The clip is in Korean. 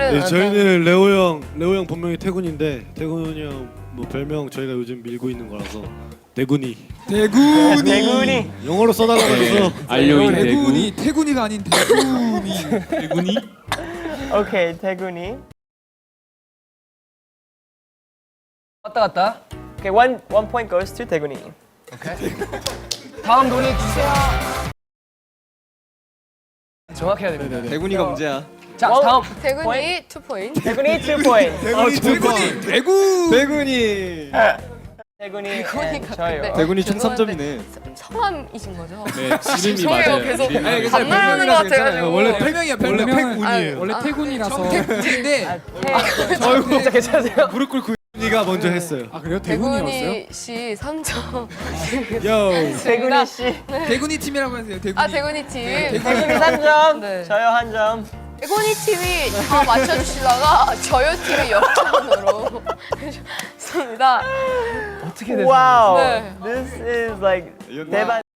네, 저희는 레오 형 본명이 태군인데 태군이 형 뭐 별명 저희가 요즘 밀고 있는 거라서 대군이. 대군이. 영어로 써달라고 해서 알려인 대군이 태군이가 아닌 대군이. 대군이? 오케이, 대군이. 왔다 갔다. 오케이, one point goes to 대군이. 다음 노래 주세요. 정확해야 됩니다. 대군이가 문제야. 자, 원- 다음. 대군이 2포인트. 대군이 2 point. 대군이 대군. 대군이. 대군이 대군이가 저요. 근데 대군이 총 죄송한데 3점이네. 성함이신 거죠? 네, 이름이 죄송해요, 맞아요. 계속 이름이 맞아요. 반말하는 것 같아가지고. 원래 별명이야 별명. 태군이에요. 원래 태군이라서. 태군인데. 진짜 괜찮으세요? 무릎 꿇고 니가 먼저 했어요. 아 그래요? 대군이었어요? 대군이 씨 3점. 요. 대군이 씨. 대군이 팀이라고 하세요. 대군이. 아 대군이 팀. 대군이 3점. 네. 저요 1점. 대군이 팀이 다 맞춰주시다가 저요 팀이 0점으로 해주셨습니다. 어떻게 됐어요? 와우. 네. This is like 대박.